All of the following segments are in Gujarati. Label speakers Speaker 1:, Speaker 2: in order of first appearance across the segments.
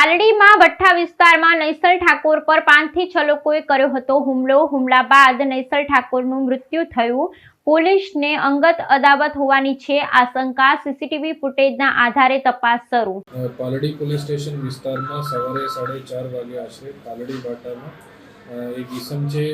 Speaker 1: પાલડીમાં વઠ્ઠા વિસ્તારમાં નૈસલ ઠાકોર પર 5 થી 6 લોકોએ કર્યો હતો હુમલો. હુમલા બાદ નૈસલ ઠાકોરનું મૃત્યુ થયું. પોલીસને અંગત અદાવત હોવાની છે આશંકા. સીસીટીવી ફૂટેજના આધારે તપાસ શરૂ.
Speaker 2: પાલડી પોલીસ સ્ટેશન વિસ્તારમાં સવારે 4:30 વાગે આશરે પાલડી બાટામાં એક ઈસમ છે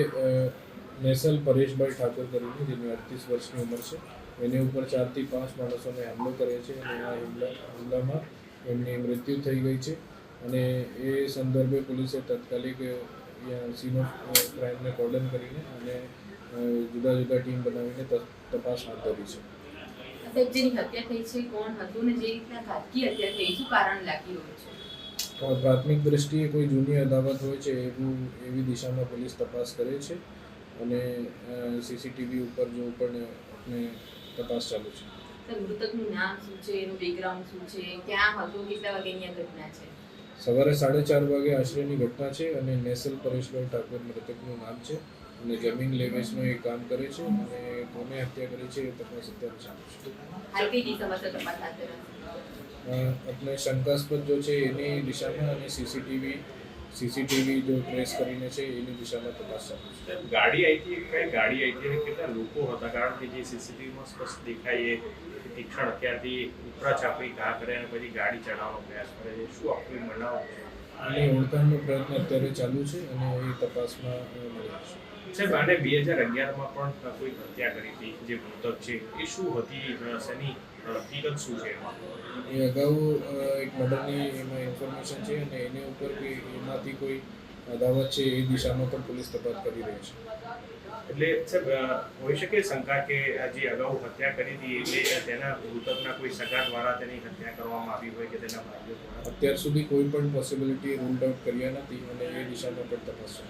Speaker 2: નૈસલ પરેશભાઈ ઠાકોર કરીને, જેની 38 વર્ષની ઉંમર છે. એની ઉપર 4 થી 5 માણસોને હુમલો કરે છે અને આ હુમલામાં એમની મૃત્યુ થઈ ગઈ છે. અને એ સંદર્ભે પોલીસે તાત્કાલિક સીન ઓફ ક્રાઇમને કોર્ડન કરીને અને જુદા જુદા ટીમ બનાવીને તપાસ હાથ ધરી છે.
Speaker 3: જેની હત્યા થઈ છે કોણ હતું ને જે રીતના ઘાતકી હત્યા થઈ શું કારણ લાગી રહ્યું છે?
Speaker 2: પ્રાથમિક દ્રષ્ટિએ કોઈ જૂની અદાવત હોય છે એવી દિશામાં પોલીસ તપાસ કરે છે અને સીસીટીવી ઉપર જો પણ આપણે તપાસ ચાલુ છે.
Speaker 3: મૃતકનું નામ શું છે, એનું બેકગ્રાઉન્ડ શું છે, ક્યાં હતું, કેટલા વાગ્યાની આ ઘટના છે?
Speaker 2: સવારે 4:30 વાગે આશરેની ઘટના છે અને નૈસલ પરેશભાઈ ઠાકોર મૃતકનું નામ છે અને જમીન લેવેચનું એ કામ કરે છે અને કોને હત્યા કરી છે એ તપાસ અત્યારે ચાલુ છે.
Speaker 3: હાલ કઈ દિશામાં તપાસ હાથ ધરાશે?
Speaker 2: આપણે શંકાસ્પદ જો છે એની દિશામાં અને સીસીટીવી જો ટ્રેસ કરીને છે એની દિશામાં તપાસ ચાલુ છે.
Speaker 4: ગાડી આવી હતી, કઈ ગાડી આવી હતી અને કેટલા લોકો હતા? કારણ કે જે સીસીટીવીમાં સ્પષ્ટ દેખાય એ તીક્ષ્ણ હથિયારથી ઉપરા ચાપડી ઘા કરે અને પછી ગાડી ચડાવવાનો પ્રયાસ કરે છે. શું આખું બનાવ છે?
Speaker 2: અને ઓળખાણનો પ્રયત્ન અત્યારે ચાલુ છે અને એ તપાસમાં મળી આવશે.
Speaker 4: સાહેબ, આને 2011માં પણ કોઈ હત્યા કરી હતી જે મૃતક છે એ શું હતી, શેની હકીકત શું છે એમાં?
Speaker 2: એ અગાઉ એક મર્ડરની એમાં ઇન્ફોર્મેશન છે અને એની ઉપર એમાંથી કોઈ અદાવત છે એ દિશામાં પણ પોલીસ તપાસ કરી રહી છે.
Speaker 4: એટલે સાહેબ હોઈ શકે શંકા કે જે અગાઉ હત્યા કરી હતી એટલે તેના મૃતકના કોઈ સગા દ્વારા તેની હત્યા કરવામાં આવી હોય કે તેના ભાઈઓ દ્વારા?
Speaker 2: અત્યાર સુધી કોઈ પણ પોસિબિલિટી રૂલ્ડ આઉટ કર્યા નથી અને એ દિશામાં પણ તપાસ છે.